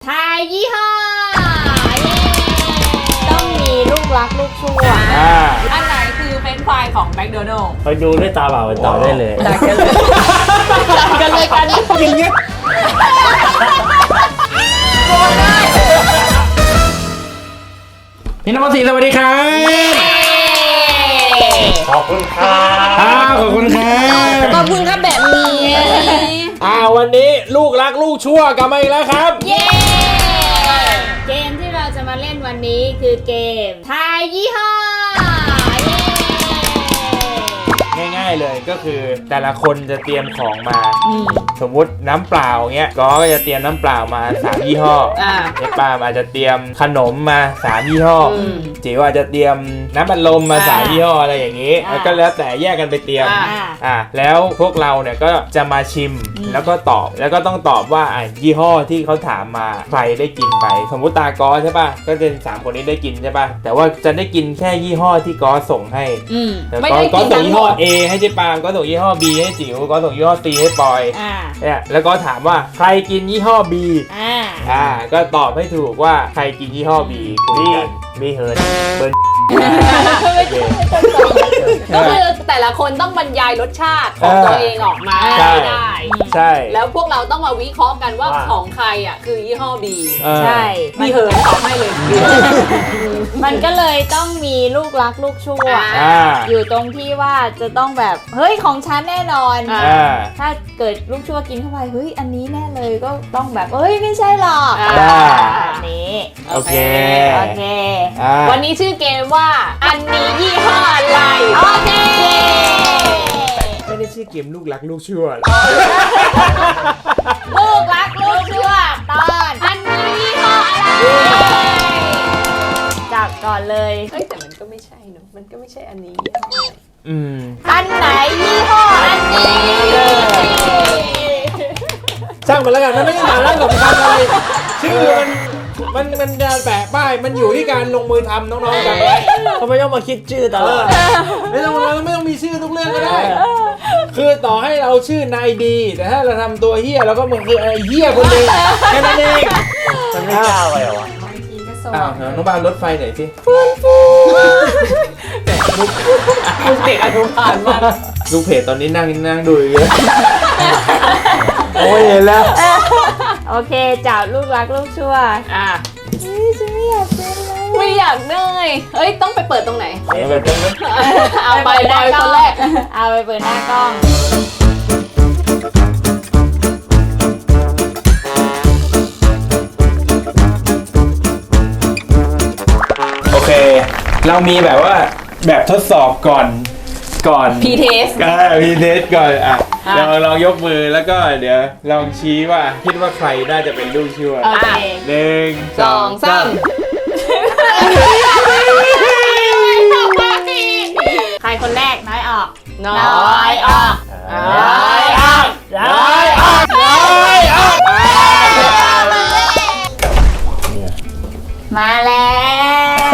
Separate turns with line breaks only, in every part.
ทายยี่ห้อต้องมีลูกรักลูกชั่ว
อันไหนคือเฟรนช์ฟรายของแมคโดนัลด์
ไปดูด้วยตาเปล่าไปต่อได้เลย
จัดกันเลยจัดกันเลยกัน
อย่างเงี้ยพี่น้องสีสวัสดีครับขอบคุณครับขอบคุณครับ
ขอบคุณครับแบบนี้
วันนี้ลูกรักลูกชั่วกลับมาอีกแล้วครับ
เย้เกมที่เราจะมาเล่นวันนี้คือเกมทายยี่ห้อ
ง่ายๆเลยก็คือแต่ละคนจะเตรียมของมาสมมุติน้ำเปล่าเงี้ยก็จะเตรียมน้ำเปล่ามา3ยี่ห้อเจ๊ปามอาจจะเตรียมขนมมา3ยี่ห้อจิ๋วอาจจะเตรียมน้ำอัดลมมา3ยี่ห้ออะไรอย่างนี้แล้วก็แล้วแต่แยกกันไปเตรียมแล้วพวกเราเนี่ยก็จะมาชิมแล้วก็ตอบแล้วก็ต้องตอบว่ายี่ห้อที่เขาถามมาใครได้กินไปสมมุติตากอใช่ป่ะก็เป็น3คนนี้ได้กินใช่ป่ะแต่ว่าจะได้กินแค่ยี่ห้อที่กอส่งให้
ไม่ได้กิน
ส่งยี่ห้อ A ให้เจ๊ปามก็ส่งยี่ห้อ B ให้จิ๋วก็ส่งยี่ห้อ C ให้ปอยเนี่ยแล้วก็ถามว่าใครกินยี่ห้อ B ก็ตอบให้ถูกว่าใครกินยี่ห้อ B คุยกันมีเฮิร์นเบิร์น
ก็คือแต่ละคนต้องบรรยายรสชาติของตัวเองออกมาได้
ใช่
แล้วพวกเราต้องมาวิเคราะห์กันว่าของใครคือยี่ห้อ B
ใช่
มีเหินตอบให้เลย
มันก็เลยต้องมีลูกรักลูกชั่วอยู่ตรงที่ว่าจะต้องแบบเฮ้ยของฉันแน่นอนถ้าเกิดลูกชั่วกินเข้าไปเฮ้ยอันนี้แน่เลยก็ต้องแบบเฮ้ยไม่ใช่หรอกแบบนี้
โอเค
วันนี้ชื่อเกมว่าอันนี้ยี่ห้ออะไร
โอเค
ไม่ได้ชื่อเกมลูกรักลูกชั่ว
ลูกรักลูกชั่วตอนอันนี้ยี่ห้ออะไรจับก่อนเลย
แต่มันก็ไม่ใช่เนอะมันก็ไม่ใช่อันนี้
อันไหนยี่ห้ออันนี้
ช่างมันแล้วกันมันไม่ได้มาแล้วสำคัญอะไรชื่อมันการแปะป้ายมันอยู่ที่การลงมือทำน้องๆกันไว้ทำไมต้องมาคิดชื่อตลอดไม่ต้องมีชื่อทุกเรื่องก็ได้คือต่อให้เราชื่อนายดีแต่ถ้าเราทำตัวเฮี้ยเราก็เหมือนคือไอ้เฮี้ยคนนึงแค่นั้นเองมันไม่กล้าไปหรอวะน้องบานรถไฟหน่อยสิ
แต่ลูกเด็กอนุบาลมาก
ลูกเพจตอนนี้นั่งดูเยอะโอ้ยเห็นแล้ว
โอเคจับลูกรักลูกชั่วฉันไม่อยากเป็นแล้ว
ไม่อยากเลยต้องไปเปิดตรงไหนเอาไป
หน้ากล้อง
คนแรก
เอาไปเปิดหน้ากล้อง
โอเคเรามีแบบว่าแบบทดสอบก่อน
พีเทส
ก่อนเราลองยกมือแล้วก็เดี๋ยวลองชี้ว่าคิดว่าใครน่าจะเป็นลูกชั่ว1 2 3
ใครคนแรกน้อยออก
น้อยออก
มาแล้ว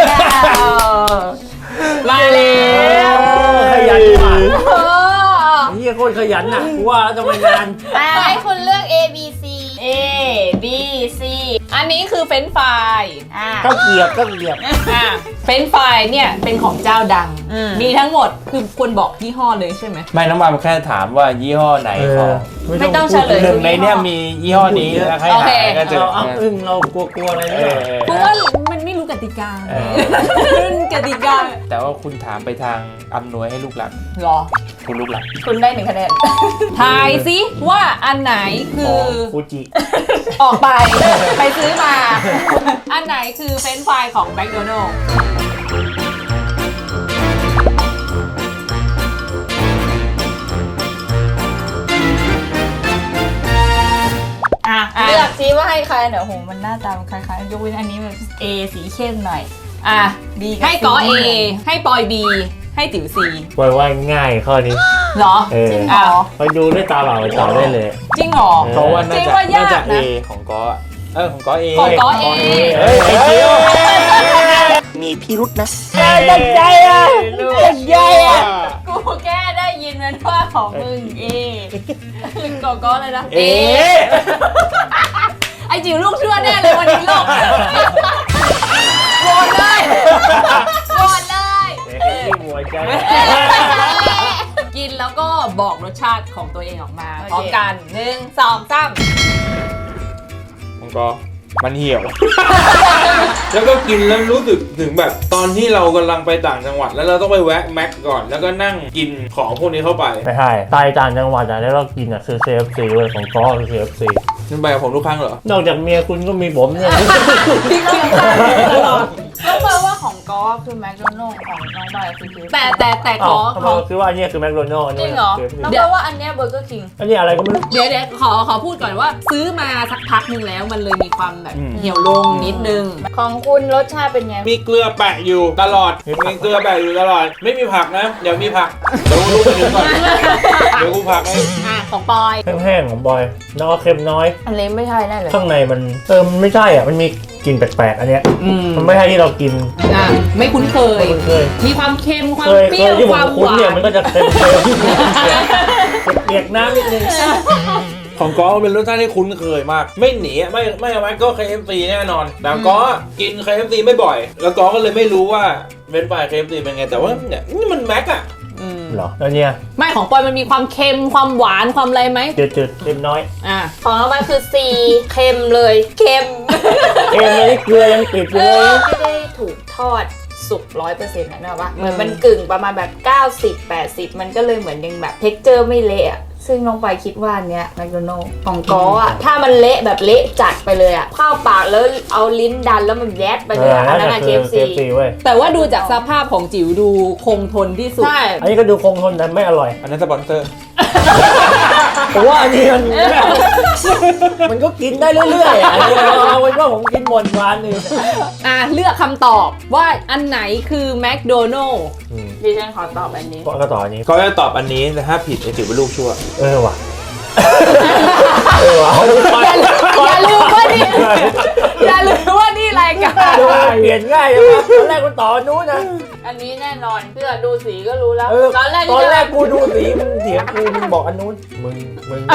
ขยันมากนี่โคตรขยันน่ะกูว่าแล้วทำไมนาน
ให้คุณเลือก A B C
อันนี้คือเฟรนช์ฟราย
ก็เกียบ
เฟรนช์ฟรายเนี่ยเป็นของเจ้าดังมีทั้งหมดคือควรบอกยี่ห้อเลยใช่ไหม
ไม่น้องบามแค่ถามว่ายี่ห้อไหน
ไม่ต้องเฉลย
หนึ่งในเนี้ยมียี่ห้อนี้แล้วใครหาก็เจอเรากลัวอะไรเนี่ย
เพราะว่ามันไม่รู้กติกา
แต่ว่าคุณถามไปทางอำนวยให้ลูกหลัก
หรอ
คุณลูกหลัก
คุณได้1 คะแนนทายสิว่าอันไหนคือ
ฟูจิ
ออกไปซื้อมาอันไหนคือเฟรนช์ฟรายของแมคโดนัลด์
เลือกซิว่าให้ใครเดี๋ยวโหมันหน้าตามันคล้ายๆยกเว้นอันนี้แบบ A สีเข้มหน่อย
B ให้กอ A ให้ปอย B ให้ติ๋ว C
ว่าง่ายข้อนี้
เหรอ
จริงเหรอ
ไปดูด้วยตาเปล่าไปต่อได้เลย
จริงเหรอ
เพราะว่าน่าจะ A ของกอของกอ A
มีพิรุษนะ
ตั้งใจกูแค่ได้ยินมันว่าของมึง
กอเลยนะไอจิ๋วลูกชั่วแน่เลยวันนี้โหวตเลยโหวตเลย
ที่หัวใจ
กินแล้วก็บอกรสชาติของตัวเองออกมาพร้อมกัน1 2 3
มันก็มันเหี่ยว แล้วก็กินแล้วรู้สึกถึงแบบตอนที่เรากำลังไปต่างจังหวัดแล้วเราต้องไปแวะแม็กก่อน แล้วก็นั่งกินของพวกนี้เข้าไป
ไม่ใช่ตายต่างจังหวัดอ่ะแล้วเรากินอ่ะคือ KFC เว้ยของก้อคือ KFC
นั่นไปกับผมทุกครั้งเหรอ
นอกจากเมียคุณก็มีผมเนี่ย
ที่กินข้าวตลอด
แล้วแปลว่าของก๊อฟคือแมคโดนัลด์ของน้องใบคือ
แต่ข
อ๋
อ
อคือว่าอันเนี้ยคือแมคโดนัลด์อัน
จริ
นี้
งเหรอ
คือ
แล้วแปลว่าอันเนี้ยเบอร์เกอร์คิง
อันนี้อะไรก็ไม่รู้
เดี๋ยวขอพูดก่อนว่าซื้อมาสักพักหนึ่งแล้วมันเลยมีความแบบ
อืม
เหี่ยวลงนิดนึง
ของคุณรสชาติเป็นไง
มีเกลือแปะอยู่ตลอด มีเกลือแปะอยู่ตลอด ไม่มีผักนะ เดี๋ยวมีผัก เดี๋ยวรู้ไปถึงก่อน เดี๋ยวกูผักให้
ของปอย
แห้งๆของบอยแล้วก็เค็มน้อย
อันนี้ไม่ใช่แน่เลย
ข้างในมันมันไม่ใช่อ่ะมันมีกลิ่นแปลกๆอันเนี้ย
อืม
มันไม่ใช่ที่เรากิน
ไม่คุ้นเคย
คุณเคย
มีความเค็มความ
เคย
เปรี้ยว
ที่ผ
ความ
คุ้
ห
น
วา
เนี่ย
น
มันก็จะเค็มๆเปียกน้ำนิดนึง
ของก้อเป็นรสชาติที่คุ้นเคยมาก ไม่หนีอะไม่เอาไว้ก็ KFC แน่นอน แต่ก้อกิน KFC ไม่บ่อย แล้วก้อก็เลยไม่รู้ว่าเว้นไป KFC เป็นไง แต่ว่าเนี่ยนี่มันแม็กอะ
เหรอแล้วเนี่ย
ไม่ของปอยมันมีความเค็มความหวานความอะไรไหม
จืดๆเค็มน้อย
ของน้องใบคือ C เค็มเลยเค็ม
เค็มเลยเกลือยังติดอยู่เลย
ไม่ได้ถูกทอดสุก100%นะว่าเหมือนมันกึ่งประมาณแบบ90-80มันก็เลยเหมือนยังแบบเท็กเจอร์ไม่เละอะซึ่งน้องไปคิดว่าเนี้ยแมคโดนัลด์ของก๊ออะถ้ามันเละแบบเละจัดไปเลยอะเข้าปากแล้วเอาลิ้นดันแล้วมันแยดไปเลยอะอันนั้นอะ KFC
เว้ย
แต่ว่าดูจากสภาพของจิ๋วดูคงทนที่สุด
ใช่
อันนี้ก็ดูคงทนแต่ไม่อร่อย
อันนั้นสปอนเซอร์
ผมว่าอันนี้มันก็กินได้เรื่อยๆอ่ะเอาไว้ว่าผมกินหมดวันนึง
เลือกคำตอบว่าอันไหนคือแมคโดนัลล์
ดิฉันขอตอบอันนี้
ก็ต่ออันนี้
ก็จะตอบอันนี้แต่ถ้าผิดไอ้จิ๋วเป็นลูกชั่ว
ว่ะว่ะ
อย่าลืมว่านี่อย่าลืมว่านี่รายการ
เปลี่ยนง่ายเลยตอนแรกกูต่อนู้นนะ
อันนี้แน่นอนเพื่อดูสีก็รู้แล้ว
ตอนแรกกูดูสีมึงเถียงกูมึงบอกอันนู้นมึง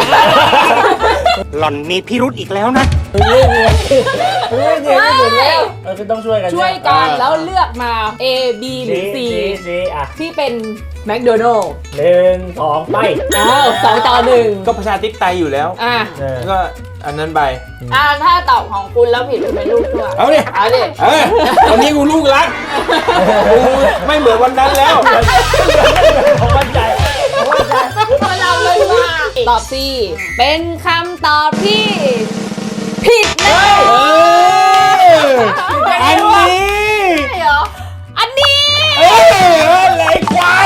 หล่อนมีพิรุธอีกแล้วนะ
ไม่เนียนที่สุดแล้วคือต้องช่วยกัน
ช่วยกันแล้วเลือกมา A B หรือ C
อ่ะ
ที่เป็นแมคโดนัลล์
1 2ไป
2-1
ก็ประชาธิปไตยอยู่แล้ว ก็อันนั้นไป
ถ้าตอบของคุณแล้วผิดเป็นลูกชั่ว
เอาดิ
เอาดิ
วันนี้กูลูกรักกูไม่เหมือนวันนั้นแล้ว
ผมมั่นใจ
เราเลยว่า
ตอบ C เป็นคำตอบที่ผิดนะ
อันนี้
ใช่เหรอ
อันนี้
อะไรควาย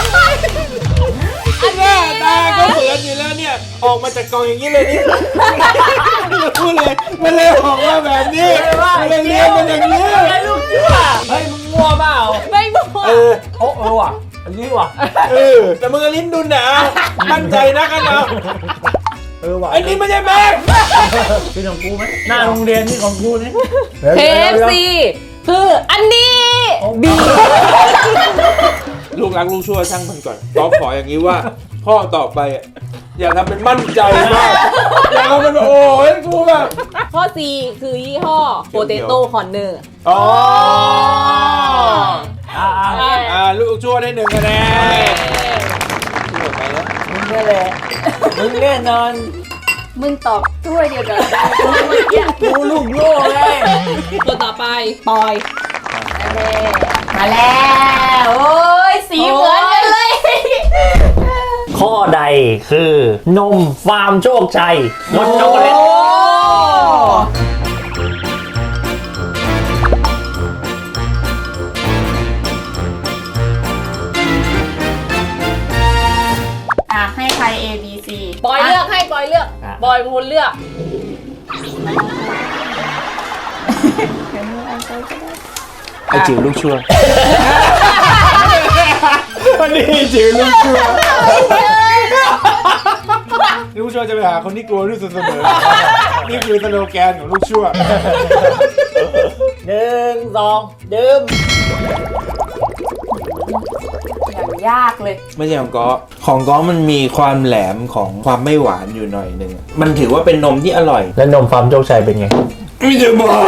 อันนี้ตาก็เหมือนอยู่แล้วเนี่ย ออกมาจากกล่องอย่างนี้เลยนี่พูดเลยมันเลยออกมาแบบนี้มันเลยเรียนมันอย่างนี้
ลูกชั่วเฮ้ยมึงมั่วเปล่า
ไม่มั่ว
ว่ะอันนี้ว่ะ
แต่มึงลิ้นดุนหนามั่นใจนะกันเอา
ว่ะ
ไอ้นี่ไม่ใช่แม็ก
เป็นของกูไหมหน้าโรงเรียนนี่ของกูนี่
KFC คืออันนี้ B
ลูกรักลูกชั่วช่างมันก่อนก็ขออย่างนี้ว่า พ่อต่อไปอ่ะอย่าทำเป็นมั่นใจมากอย่าทำเป็นโอ้ยกูแบบ
ข้อ C คือยี่ห้อ Potato Corner
อ๋อ
ลูก
ลูกชั่วได้1 คะแนนชั่วไปแล้ว
มึงนี่แหละมึงแน่นอน
มึงตอบถ้วยเดียวกัน
กูลูกโง่เลย
ตัวต่อไปปอย
มาแล้วโอ้ยสีเหมือนกันเลย
ข้อใดคือนมฟาร์มโชคชัยรสช็อกโกแลต
ให้ใคร A B C
ปอยเลือกให้ปอยเลือกปอยเป็นคนเลือก
ไอจิ๋วลูกชั่ววันนี้จิ๋วลูกชั่วลูกชั่วจะไปหาคนที่กลัวที่สุดเสมอนี่คือสโลแกนของลูกชั่ว
1 2ดื่ม
อย่างยากเลย
ไม่ใช่ของก้อมันมีความแหลมของความไม่หวานอยู่หน่อยหนึ่งมันถือว่าเป็นนมที่อร่อย
แล้วนมฟาร์มโชคชัยเป็นไง
ไม่จะบอก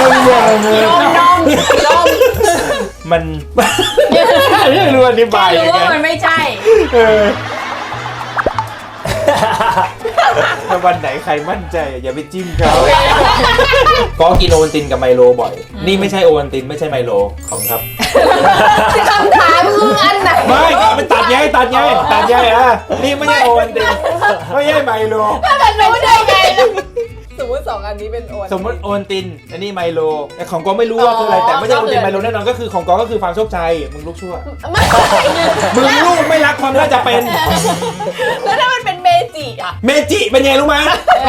มันไม่รู้อธิบาย
รู้
ยังไง
ว่ามันไม่ใช่
ถ้าวันไหนใครมั่นใจอย่าไปจิ้มเขาก็กินโอวัลตินกับไมโลบ่อย นี่ไม่ใช่โอวัลตินไม่ใช่ไมโลของครับ
คำถามคืออันไหน
ไม่ก็ไปตัดไงนี่ไม่ใช่โอวัลตินไม่ใช่ไมโล
มันรู้ได้ไง
สมมติ2อันนี้เป็นโอน
สมมติโอวัลตินอันนี้ไมโลแต่ของกอไม่รู้ว่าคืออะไรแต่ไม่ใช่โอวัลตินไมโลแน่นอนก็คือของกอก็คือฟาร์มโชคชัยมึงลูกชั่ว
ไม่
มึงลูกไม่รักความน่าจะเป็น
แล้วถ้ามันเป็นเมจิอ่ะ
เมจิเป็นไงรู้ไหม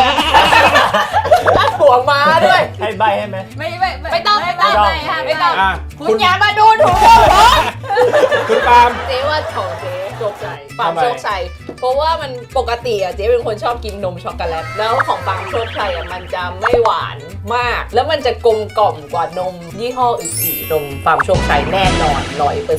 หัวม้าด้วย
ให้ใบให้ไหม
ไม่ต้องไม่ต้อง
อ่ะ
คุณอย่ามาดูถูก
คุณปาล์ม
เจ๊ว่าของเจ๊โชคชัยปาล์ม
ทำไม
โชคชัยเพราะว่ามันปกติอ่ะเจ๊เป็นคนชอบกินนมช็อกโกแลตแล้วของปาล์มโชคชัยอ่ะมันจะไม่หวานมาก แล้วมันจะกลมกล่อมกว่านมยี่ห้ออื่นๆนมปาล์มโชคชัยแน่นอน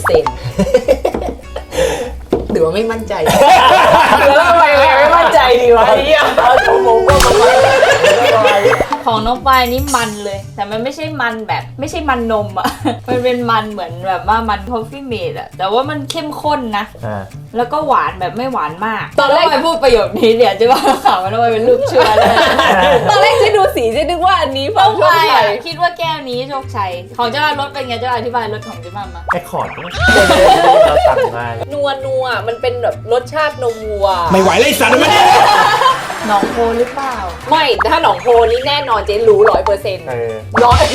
100%หรือว่าไม่มั่นใจ แล้วทำไมไม่มั่นใจดีวะเนี่ย
เอาชั่วโมงก็มา
ของน้องปายนี่มันเลย แต่มันไม่ใช่มันแบบไม่ใช่มันนมอ่ะ มันเป็นมันเหมือนแบบว่ามันคอฟฟี่เมดอ่ะแต่ว่ามันเข้มข้นนะ แล้วก็หวานแบบไม่หวานมากตอนแรกไปพูดประโยคนี้เนี่ยจะว่าข่าวมันว่าเป็นลูกเชื่อเลย
ตอนแรกเจ๊ดูสีเจ๊นึกว่าอันนี้
น้
ปา
อ
ล์
ง
มโชค
ปาย
ชัย
คิดว่าแก้วนี้โชคชัยของเจ้ารถเป็นไงเจ้าอธิบายรถของเจ้ามา
ไอ้คอร์ดเราสั่งมา
นัวมันเป็นแบบรสชาตินมวัว
ไม่ไหวเลยสัตว์มัน
หนองโพหรือเปล่า
ไม่ถ้าหนองโพนี่แน่นอนเจ๊รู้100%ร้อย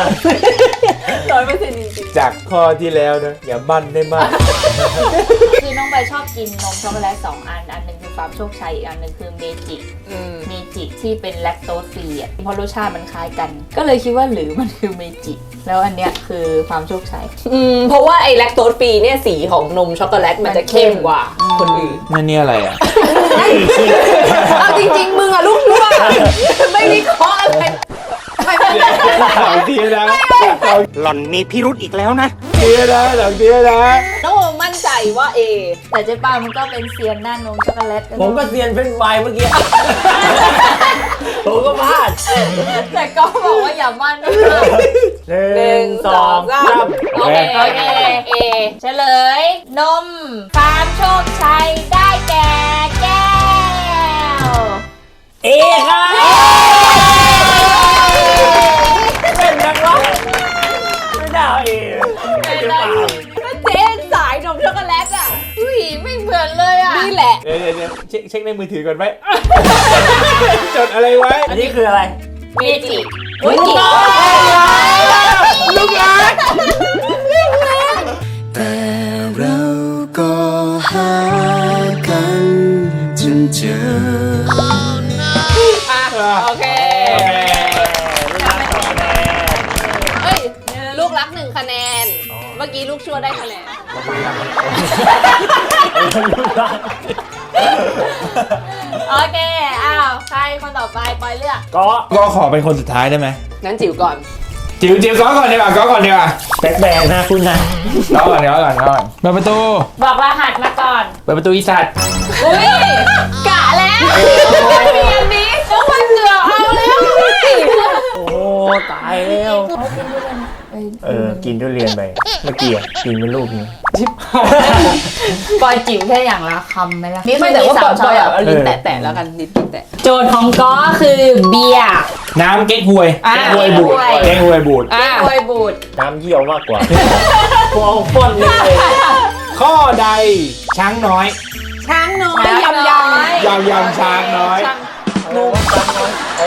100%จริง
จากข้อที่แล้วนะอย่าบั้นได้มาก
คือน้องใบชอบกินนมช็อกโกแลต2อันหนึ่งคือฟาร์มโชคชัยอีกอันหนึ่งคือเมจิ
ๆ
เมจิที่เป็นแลคโตสฟรีอ่ะเพราะรสชาติมันคล้ายกัน ก็เลยคิดว่าหรือมันคือเมจิแล้วอันเนี้ยคือฟาร์มโชคชัย
เพราะว่าไอ้แลคโตสฟรีเนี่ยสีของนมช็อกโกแลตมันจะเข้มกว่าคนอื่น
นั่นนี่อะไรอ่ะ
เอาจริงๆมึงอะลูกชั่วไม่วิเคราะห์อะไร
หลังทีนะ
หล่อนมีพิรุธอีกแล้วนะ
ทีนะหลังทีนะ
น้องโอมมั่นใจว่า A
แต่เจ๊ป้ามันก็เป็นเซียนหน้านมช็อกโกแลต
ผมก็เซียนเป็นไฟเมื่อกี้ ผมก็พลาด
แต่ก็บอกว่าอย่ามั่นนะ
1 2 3
โอเคโอเค A
เฉลย นมฟาร์มโชคชัยได้แก่แก้ว
เอค่ะเป็นนักร้องไม่ได้เอ
ก็เจ๊สายนมช็อกโกแลตอ่ะ
อุ้ยไม่เหมือนเลยอ่ะ
นี่แหละ
เดี๋ยวเช็คในมือถือก่อนไหม จดอะไรไว้
อันนี้คืออะไร
เมจิ
อุ้ยกี่
ลูกหลาน
แต่เราก็หากันจนเจอ
โอเคเฮ้ยลูกรัก1 คะแนน เมื่อกี้ลูกชั่วได้คะแนน
โอเคอ้าวใครคนต่อไปปอยเลือก
ก็ขอเป็นคนสุดท้ายได้ไหม
งั้นจิ๋วก่อน
จิ๋วก้อก่อนดีกว่าก้อก่อนดีกว่า
แบกนะคุณนะ
ก้อก่อนเปิดประตู
บอกรหัสมาก่อน
เปิดประตูอีสัตว์
อุ้ยกะแล้วมันมีอันนี้ต้องมาเกือบเอาแล้ว
โอ้ตายแล้วกินทุเรียนไปเมื่อกี้กินเป็นลูกนี้
ปอยจิ๋วแค่อย่างละคำไหมล่ะ
ไม่แต่ว่า
สา
ก่อ
ม
น
ช้อย
แบบเอาลิ้นแตะๆแล้วกันลิ้นแตะ
โจทย์ของก้อคือเบียร์
น้ำเก๊กฮวย
อ่ะ
เก๊กฮวยบูด
เก๊กฮวย
เก๊กฮวยบูด
อ่ะ
โวยบูด
น้ำเยี่ยวมากกว่าฟองป้นเลย
ข้อใดช้างน้อย
ช้างน้อย
ช้างน้อย
ยำช้างน้อย
งูช้างน้อย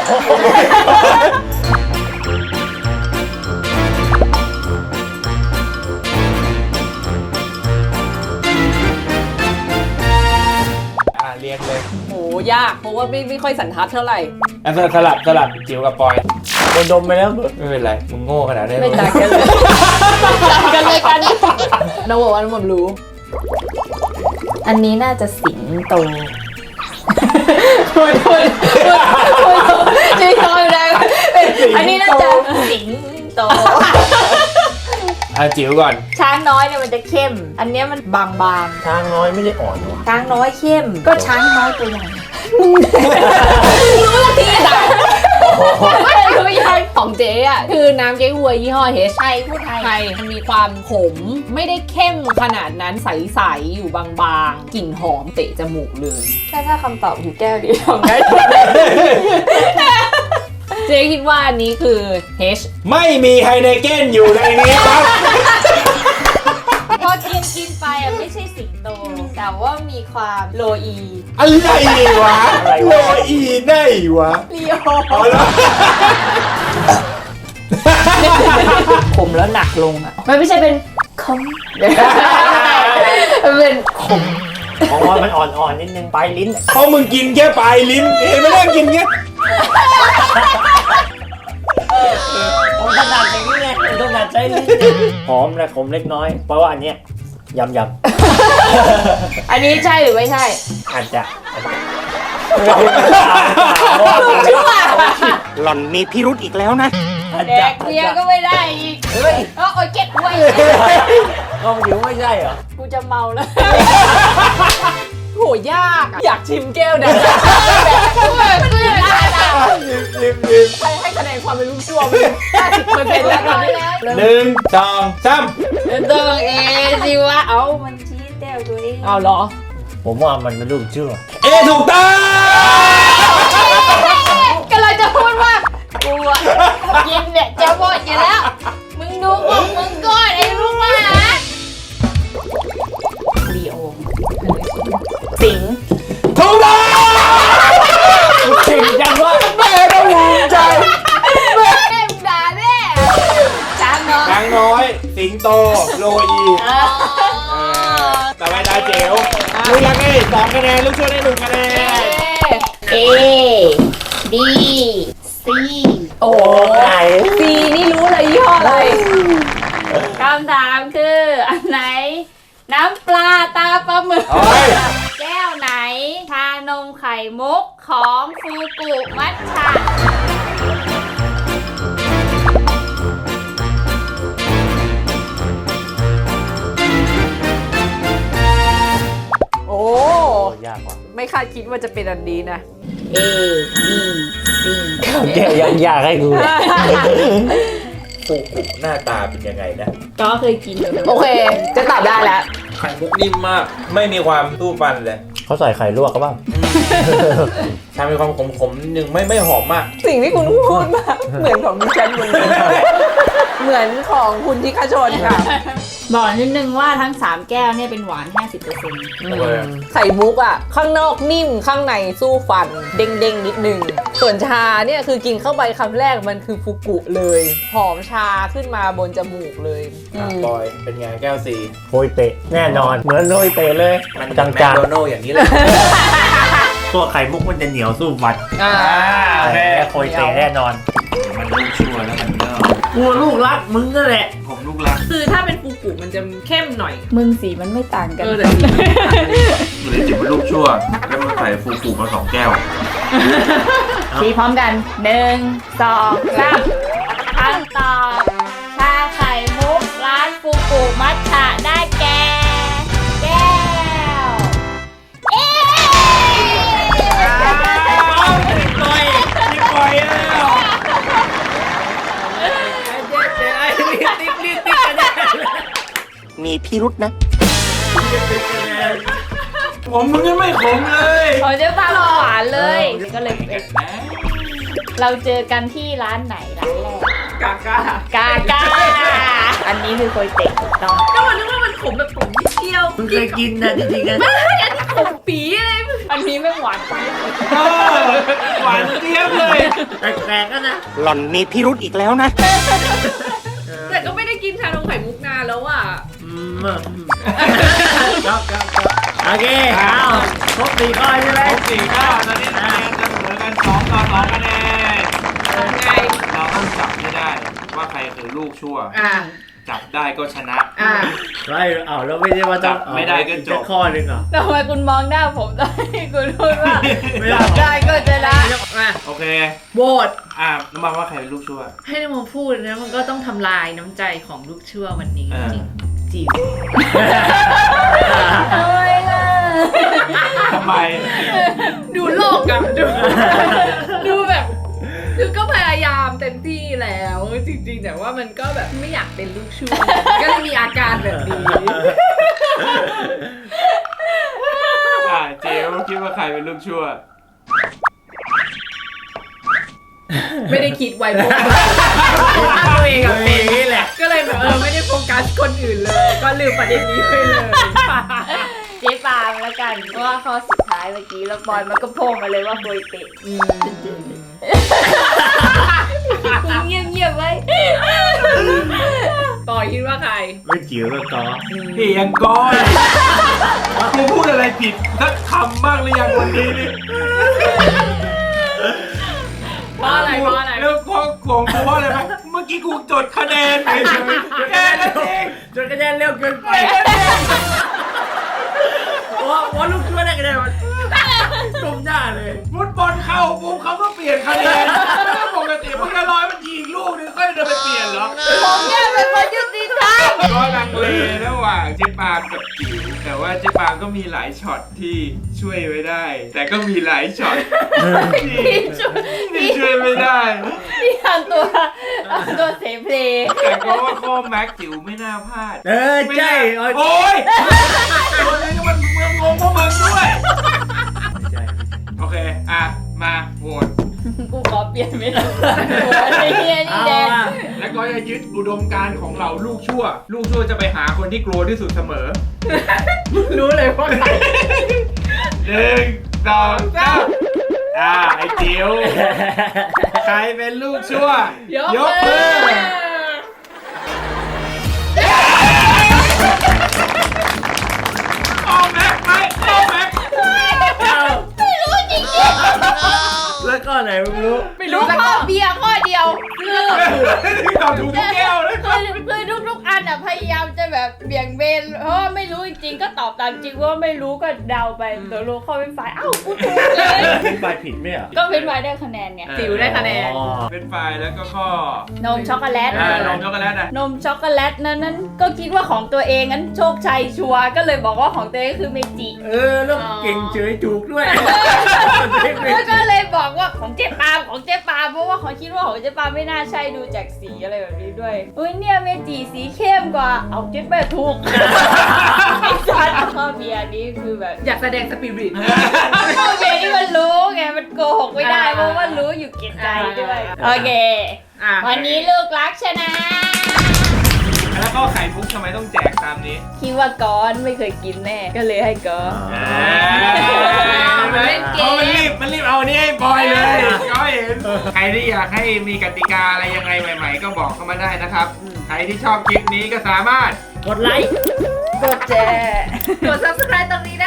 เรียกเลย
โหยากเพราะว่าไม่ค่อยสันทัดเท่าไหร่
อ่ะสลับจิ๋วกับปอย
ดมไปแล้วเบิร์ด
ไม่เป็นไรมึงโง่ขนาดนี้
ไม่ต่างกันเลยต่างกันเลยกันน้องบอกว่าน้องผมรู้
อันนี้น่าจะสิงโตจริงๆอยู่ได้อันนี้น่าจะสิงโต
จิ๋วก่อน
ช้างน้อยเนี่ยมันจะเข้ม อันเนี้ยมันบาง
ช้างน้อยไม่ได้อ่อนหรอ
ๆช้างน้อยเข้ม ก็ช้างน้อยตัวใหญ่
รู้ละทีอ่ะไม่รู้ยังของเจ๊อ่ะคือน้ำเก๊กฮวยยี่ห้อเฮช
ไทยพูดไทย
ไทยมันมีความขมไม่ได้เข้มขนาดนั้นใสๆอยู่บางๆกลิ่นหอมเตะจมูกเลย
ถ้าคำตอบอยู่แก้วเดียวทำได้
เจ๊คิดว่าอันนี้คือ H
ไม่มีไฮเนเก้นอยู่ในนี้ครับ
พอกินไปอ่ะไม่ใช่สิงโต แต่ว่ามีความโลอี
อะไรวะโลอีได้วะ
เลียว
เอาละ
ขมแล้วหนักลงอ่ะมันไม่ใช่เป็นคมมันเป็น
ของออนมันอ่อนๆนิดนึงปลายลิ้น
เพราะมึงกินแค่ปลายลิ้นเห็นไหมล่ะกินแค่
ผมถนัดอย่างนี้ไงผมถนัดใช้ลิ้นหอมและขมเล็กน้อย เพราะว่าอันเนี้ยยำ
อันนี้ใช่หรือไม่ใช่
อาจจะ
หล่อนมีพิรุธอีกแล้วนะ
อาจ
แด
จะ
กเบียร์ก็ไม่ได้อีก
เฮ้ย
โอ้ยเก็บไว้
ก็มันอยู่ไม่ใช่เหรอ
กูจะเมาแล้ว
โหยากอะอยากชิมแก้วนะ ใครให้คะแนนความเป็นลูกชั่วมัน50%แล้วตอนนี้
1 2 3
ตัวเองสิว่าเอามันชี้แต้วตัวเอง
เอาเหรอ
ผมว่ามันเป็นลูกเชื่อ
เอถูกต้อง
ก็เลยจะพูดว่ากูอะกินเนี่ยจะหมดอยู่แล้ว มึงดูของมึงก่อนไอ้ลูกหมาลีโอสิง
ถูกต้อง
จริงจังว่า
แม่ก็ภูมิใจ
แม่มึงด่าแน่ช้างเนาะ
ช้างน้อย สิงโต โลอีต่อไปตาเจ๋วลูกรักให้2 คะแนน ลูกช่วยได้1 คะแนน
A B C
โอ้
ไหน
ซีนี่รู้เลยยี่ห้ออะไร
คำถามคืออันไหน น้ำปลาตาปลาหมึก
โอ้ย
แก้วไหนชานมไข่มุกของฟูกุมัทฉะ
โอ้
ยากว่ะ
ไม่คาดคิดว่าจะเป็นอันนี้นะ
A B C
แกยังยากให้กู
ฟูกุหน้าตาเป็นยังไงนะ
ก็เคยกินอยู่
โอเค จะตอบได้แล้ว
ไข่มุกนิ่มมาก ไม่มีความสู้ฟันเลย
เขาใส่ไข่ลวกก็บ้าง
ชามีความขมๆนิดนึงไม่หอมมาก
สิ่งที่คุณพูดมาเหมือนของดิฉันเหมือนกันเหมือนของคุณทิคชนค่ะ
บอกนิดนึงว่าทั้ง 3 แก้วเนี่ยเป็นหวาน 50%
ไข่มุกอ่ะ ข้างนอกนิ่มข้างในสู้ฟัน เด้งๆนิดนึง ส่วนชาเนี่ยคือกินเข้าไปคำแรกมันคือฟูกุเลย หอมชาขึ้นมาบนจมูกเลยอืม
บอย เป็นไงแก้วสี
โรยเตะแน่นอน เหมือนโรยเตะเลย
มัน
จา
แมค
ง
โดนัลด์อย่างนี้เลย
ๆตัวไข่มุกมันจะเหนียวสู้ฟัน
อ่า
โอเค
แต่โรยเตะแน่นอน
มันลูกชั่วแล้วมันก็
กูลูกรักมึงนั่นแหละ
ผมลูกรัก
คือถ้าเป็นฟูกุมันจะเข้มหน่อย
มึงสีมันไม่ต่างกัน
แต่สี
มันเลยจิบเป็นลูกชั่ว แล้วมันใส่ฟูกุมา2 แก้ว
สีพร้อมกัน 1 2 3คำตอบชาไข่มุกร้านฟูกุมัทฉะได้แก่แก้ว เอ๊
ปล่อยแล้ว
มีพิรุธนะ
ผมมึงยังไม่ขมเลย
ผมจะทำหวานเลย ก็เลยเป็นเราเจอกันที่ร้านไหนร้านแรก
กากาก
าก้า อันนี้คือโคยเตะถูกต้อง
ก็มันนึกว่ามันขมแบบขมนิดเดียว
มึงเคยกินนะจริงๆนะ
ขมปีเลย
อันนี้ไม่หวาน
หวานเจี๊ยบเลย
แปลกๆก็นะ
หล่อนมีพิรุธอีกแล้วนะ
แต่ก็ไม่ได้กินชานมไข่มุกนานแล้วอ่ะ
ครับโอเคเอาครบ4 ข้อใช่ไหม
ครบ4 ข้อตอนนี้คะแนนจะเสมอกัน2 ต่อ 2 คะแนน
ไง
เราต้องจับให้ได้ว่าใครคือลูกชั่ว
อ่า
จับได้ก็ชนะ
อ่า
ไม่เอาแล้วไม่ได้ว่าต้อง
ไม่ได้ก็จบ
แค่ข้อหนึงเหรอ
ทำไมคุณมองหน้าผมตอนที่คุณพูดว่า
ไม่ได้
จับได้ก็จะได้
อ่ะ
โอเค
โหวต
น้ำมันว่าใครเป็นลูกชั่ว
ให้นโมพูดนะมันก็ต้องทำลายน้ำใจของลูกเชื่อวันนี้
อ่า
จริงจิ๋ว
ทำไมล่ะ
ทำไม
ดูโลกอะดูแบบคือก็พยายามเต็มที่แล้วจริงๆแต่ว่ามันก็แบบไม่อยากเป็นลูกชั่วก็เลยมีอาการแบบนี้
เจลคิดว่าใครเป็นลูกชั่ว
ไม่ได้คิดไว้เพราะว่าตัวเองอะเป็นนี่แหละก็เลยแบบไม่ได้โฟกัสคนอื่นเลย ก็ลืมประเด็นนี้ไปเลย
เจ๊ปาล์มแล้วกันเพราะว่าข้อสุดท้ายเมื่อกี้แล้วบอยมันก็โผล่มาเลยว่าโปรยเตะเงียบๆไว้
ปอยคิดว่าใคร
ไม่จิ๋วแล้วก็
พี่ยังก้อยกูพูดอะไรผิดสักคำบ้างหรือยังวันนี้นี่
เพราะอะไร
แล้วของกูว่าอะไรไหมเมื่อกี้กูจดคะแนนเฉยๆแค่นั้นเอง
จนคะแนนเร็วเกินไปว่าลูกช่วยได้คะแนนมันจมหน้าเลย
ฟุตบอลเข้าปุ๊บเขาก็เปลี่ยนคะแนนปกติมันก็ร้อยมันยิงลูกนึงค่อยเดินไปเปลี่ยนเหรอ
ผมเนี่ยเป็นคนยุติธรรม
ก็ลังเลระหว่างเจ๊ปาล์มกับจิ๋วแต่ว่าเจ๊ปาล์มก็มีหลายช็อตที่ช่วยไว้ได้ แต่ก็มีหลายช็อตที่ช่วยไม่ได้
พี่ทำตัวเสเพล
แต่ก็ว่าข้อแม็กจิ๋วไม่น่าพลาด
ใช่
โอ้ยตัวนี้ก็มันเมืองงงพวกมึงด้วยโอเคมาโหวต
กูขอเปลี่ยนไม่ได้ไอ้เฮียนี่แดง
แล้วก็จะยึดอุดมการณ์ของเราลูกชั่วจะไปหาคนที่กลัวที่สุดเสมอ
รู้เลยว่าใคร
1 2 3ไอ้จิ๋วใครเป็นลูกชั่วยกมือเอาแม็กไหมเอาแม็ก
ไม่รู้จริง
แล้วก็ไหนมึงรู้
ๆรู้ข้อเบียร์ข้อเดียวคือ
ตอบถูกทุกแก้วเลย
คือทุกอันอ่ะพยายามจะแบบเบี่ยงเบนเพราะว่าไม่รู้จริงๆก็ตอบตามจริงว่าไม่รู้ก็เดาไปตัวรู้ข้อเป็นฝ่ายอ้าวกูถูกเลย
ไปผิดไหมอ่ะ
ก็เป็นฝ่ายได้คะแนนไง
จิ๋วได้คะแนน
เป็นไฟล์แล้วก็ข้อน
มช็อกโกแลต
นมช็อกโกแลต
นมช็อกโกแลตนั้นก็คิดว่าของตัวเองงั้นโชคชัยชัวร์ก็เลยบอกว่าของตัวเองคือเมจิ
แล้วเก่งเฉยถูกด้วย
แล้วก็เลยบอกว่าของเจ๊ปาล์มเพราะว่าเขาคิดว่าของเจ๊ปาล์มไม่น่าใช่ดูจากสีอะไรแบบนี้ด้วยอุ้ยเนี่ยเมจิสีเข้มกว่าเอาเจ๊แม่ถูกไอ้สัตว์ข้อเบียร์นี้คือแบบ
อยากแสดงสปิริต
ข้อเบียร์นี่มันรู้ไงมันโกหกไม่ได้เพราะว่ารู้อยู่เก็บใจด้วยโอเควันนี้ลูกรักชนะ
แล้วก็ไข่มุกทำไมต้องแจกตามนี้
คิดว่าก้อนไม่เคยกินแน่ก็เลยให้ก้อน
มันเล่นเกม
มันรีบเอานี่ให้บอยเลยก็เห็นใครที่อยากให้มีกติกาอะไรยังไงใหม่ๆก็บอกเข้ามาได้นะครับใครที่ชอบคลิปนี้ก็สามารถ
กดไลค์
กดแชร์
กด subscribe ตรงนี้